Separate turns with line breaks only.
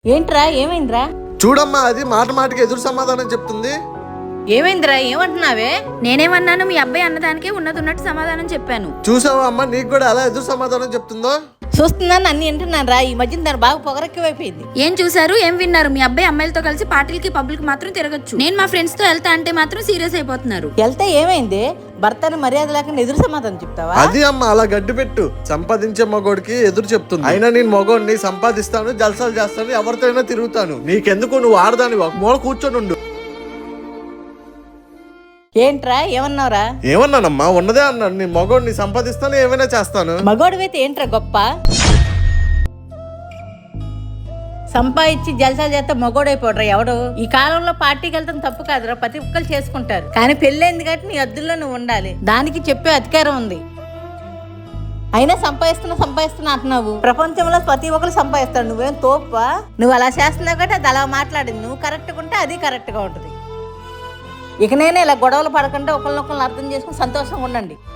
ఏంట్రా ఏమైందిరా?
చూడమ్మా, అది మాట మాటకి ఎదురు సమాధానం చెప్తుంది.
ఏమైందిరా ఏమంటున్నావే?
నేనేమన్నాను, మీ అబ్బాయి అన్నదానికే ఉన్నట్టు సమాధానం చెప్పాను.
చూసావా అమ్మా, నీకు కూడా అలా ఎదురు సమాధానం చెప్తుందో?
చూస్తున్నాను, అన్ని వింటున్నాను రా. ఈ మధ్యన దాని బాగా పొగరెక్కువైపోయింది.
ఏం చూసారు, ఏం విన్నారు? మీ అబ్బాయి అమ్మాయిలతో కలిసి పార్టీలకి పబ్లిక్ మాత్రం తిరగచ్చు. నేను మా ఫ్రెండ్స్ తో వెళ్తా అంటే మాత్రం సీరియస్ అయిపోతున్నారు.
వెళ్తే ఏమైంది? భర్తను మర్యాద లేకుండా ఎదురు సమాధానం చెప్తావా?
అది అమ్మ అలా గడ్డి పెట్టు. సంపాదించే మగోడికి ఎదురు చెప్తుంది. అయినా నేను మగోడిని సంపాదిస్తాను, జల్సాలు చేస్తాను, ఎవరితో అయినా తిరుగుతాను. నీకెందుకు, నువ్వు ఆడదాని ఒక మూల కూర్చొని ఉండు.
ఏంట్రా ఏమన్నావురా?
ఏమన్నానమ్మా, ఉన్నదే అన్నాను. నీ మగోడిని సంపాదిస్తాను, ఏమైనా చేస్తాను.
మగోడివైతే ఏంట్రా గొప్ప? సంపాదించి జలసాలు చేస్తే మగోడైపోడ్రా ఎవడు. ఈ కాలంలో పార్టీకి వెళ్తాం తప్పు కాదురా, ప్రతి ఒక్కరు చేసుకుంటారు. కానీ పెళ్ళైంది కాబట్టి నీ అద్దుల్లో నువ్వు ఉండాలి. దానికి చెప్పే అధికారం ఉంది. అయినా సంపాదిస్తున్నా అంటున్నావు. ప్రపంచంలో ప్రతి ఒక్కరు సంపాదిస్తాడు, నువ్వేం తోపా? నువ్వు అలా చేస్తున్నావు కాబట్టి అది అలా మాట్లాడింది. నువ్వు కరెక్ట్గా ఉంటే అది కరెక్ట్గా ఉంటుంది. ఇక నేనే ఇలా గొడవలు పడకుండా ఒకరినొకరిని అర్థం చేసుకుని సంతోషంగా ఉండండి.